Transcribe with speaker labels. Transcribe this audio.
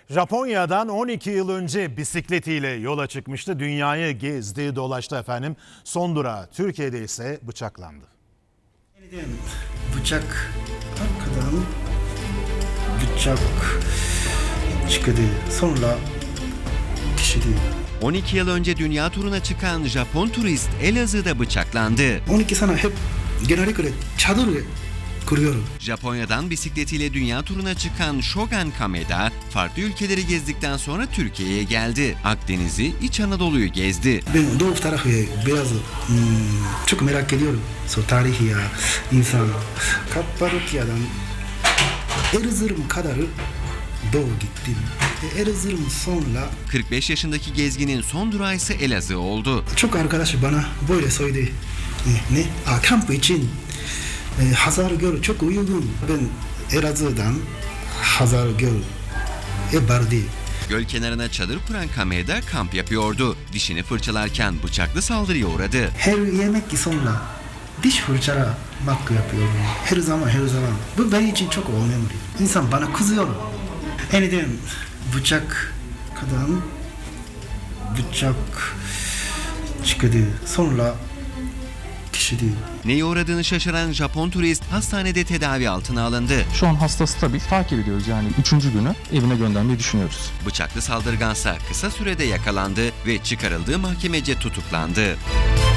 Speaker 1: Japonya'dan 12 yıl önce bisikletiyle yola çıkmıştı. Dünyayı gezdi, dolaştı efendim. Son durağı Türkiye'de ise bıçaklandı.
Speaker 2: Yeniden bıçak arkadan bıçak çıktı. Sonra kişi değil.
Speaker 3: 12 yıl önce dünya turuna çıkan Japon turist Elazığ'da bıçaklandı.
Speaker 2: 12 sene hep genellikle çadır kuruyorum.
Speaker 3: Japonya'dan bisikletiyle dünya turuna çıkan Shogun Kameda, farklı ülkeleri gezdikten sonra Türkiye'ye geldi. Akdeniz'i, İç Anadolu'yu gezdi.
Speaker 2: Ben doğu tarafı biraz çok merak ediyorum. Tarihi ya, insan. Kapadokya'dan Erzurum kadar doğu gittim. Erzurum sonra
Speaker 3: 45 yaşındaki gezginin son durağı ise Elazığ oldu.
Speaker 2: çok arkadaş bana böyle söyledi. Kamp için Hazargöl çok uygun. Ben Elazığ'dan Hazargöl vardı.
Speaker 3: Göl kenarına çadır kuran Kameda kamp yapıyordu. Dişini fırçalarken bıçaklı saldırıya uğradı.
Speaker 2: Her yemek sonra diş fırçalamak yapıyorum. Her zaman. Bu benim için çok önemli. İnsan bana kızıyor. Yeniden bıçak çıktı. Sonra kişi değil.
Speaker 3: Neye uğradığını şaşıran Japon turist hastanede tedavi altına alındı.
Speaker 4: Şu an hasta stabil. Takip ediyoruz yani 3. günü evine göndermeyi düşünüyoruz.
Speaker 3: Bıçaklı saldırgansa kısa sürede yakalandı ve çıkarıldığı mahkemece tutuklandı.